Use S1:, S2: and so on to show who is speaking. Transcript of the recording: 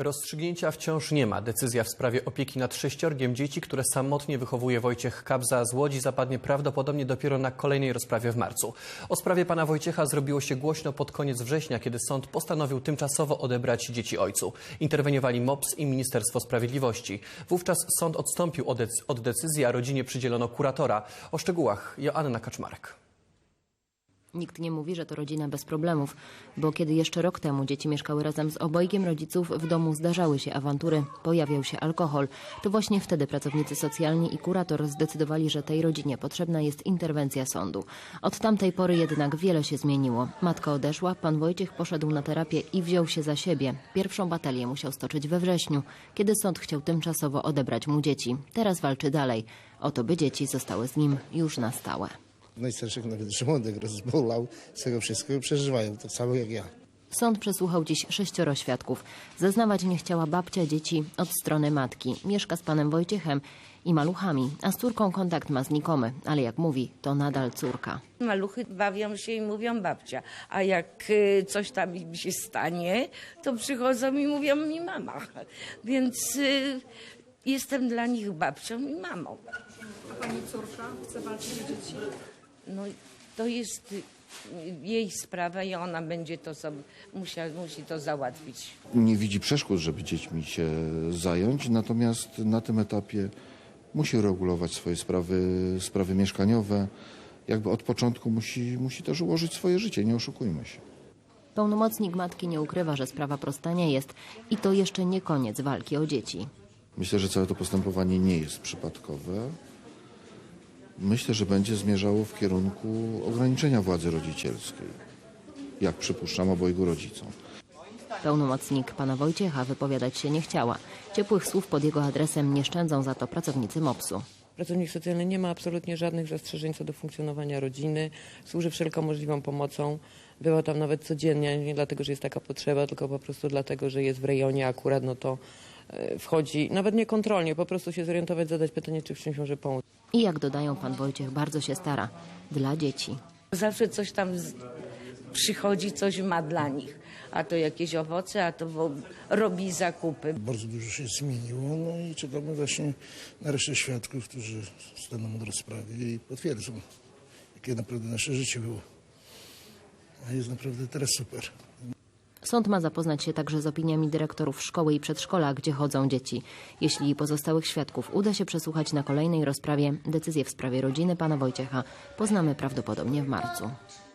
S1: Rozstrzygnięcia wciąż nie ma. Decyzja w sprawie opieki nad 6 dzieci, które samotnie wychowuje Wojciech Kabza z Łodzi, zapadnie prawdopodobnie dopiero na kolejnej rozprawie w marcu. O sprawie pana Wojciecha zrobiło się głośno pod koniec września, kiedy sąd postanowił tymczasowo odebrać dzieci ojcu. Interweniowali MOPS i Ministerstwo Sprawiedliwości. Wówczas sąd odstąpił od decyzji, a rodzinie przydzielono kuratora. O szczegółach Joanna Kaczmarek.
S2: Nikt nie mówi, że to rodzina bez problemów, bo kiedy jeszcze rok temu dzieci mieszkały razem z obojgiem rodziców, w domu zdarzały się awantury, pojawiał się alkohol. To właśnie wtedy pracownicy socjalni i kurator zdecydowali, że tej rodzinie potrzebna jest interwencja sądu. Od tamtej pory jednak wiele się zmieniło. Matka odeszła, pan Wojciech poszedł na terapię i wziął się za siebie. Pierwszą batalię musiał stoczyć we wrześniu, kiedy sąd chciał tymczasowo odebrać mu dzieci. Teraz walczy dalej o to, by dzieci zostały z nim już na stałe.
S3: Najstarszych nawet żołądek rozbolał, z tego wszystkiego przeżywają, tak samo jak ja.
S2: Sąd przesłuchał dziś 6 świadków. Zeznawać nie chciała babcia dzieci od strony matki. Mieszka z panem Wojciechem i maluchami, a z córką kontakt ma znikomy, ale jak mówi, to nadal córka.
S4: Maluchy bawią się i mówią babcia, a jak coś tam im się stanie, to przychodzą i mówią mi mama. Więc jestem dla nich babcią i mamą.
S5: A pani córka chce walczyć o dzieci?
S4: No to jest jej sprawa i ona będzie to musi to załatwić.
S6: Nie widzi przeszkód, żeby dziećmi się zająć, natomiast na tym etapie musi regulować swoje sprawy mieszkaniowe. Jakby od początku musi też ułożyć swoje życie, nie oszukujmy się.
S2: Pełnomocnik matki nie ukrywa, że sprawa prosta nie jest i to jeszcze nie koniec walki o dzieci.
S6: Myślę, że całe to postępowanie nie jest przypadkowe. Myślę, że będzie zmierzało w kierunku ograniczenia władzy rodzicielskiej, jak przypuszczam obojgu rodzicom.
S2: Pełnomocnik pana Wojciecha wypowiadać się nie chciała. Ciepłych słów pod jego adresem nie szczędzą za to pracownicy MOPS-u.
S7: Pracownik socjalny nie ma absolutnie żadnych zastrzeżeń co do funkcjonowania rodziny. Służy wszelką możliwą pomocą. Była tam nawet codziennie, nie dlatego, że jest taka potrzeba, tylko po prostu dlatego, że jest w rejonie akurat, no to wchodzi, nawet nie kontrolnie, po prostu się zorientować, zadać pytanie, czy w czymś może pomóc.
S2: I jak dodają, pan Wojciech bardzo się stara. Dla dzieci.
S4: Zawsze coś tam przychodzi, coś ma dla nich. A to jakieś owoce, a to robi zakupy.
S3: Bardzo dużo się zmieniło, no i czekamy właśnie na resztę świadków, którzy staną na rozprawie i potwierdzą, jakie naprawdę nasze życie było. A jest naprawdę teraz super.
S2: Sąd ma zapoznać się także z opiniami dyrektorów szkoły i przedszkola, gdzie chodzą dzieci. Jeśli pozostałych świadków uda się przesłuchać na kolejnej rozprawie, decyzję w sprawie rodziny pana Wojciecha poznamy prawdopodobnie w marcu.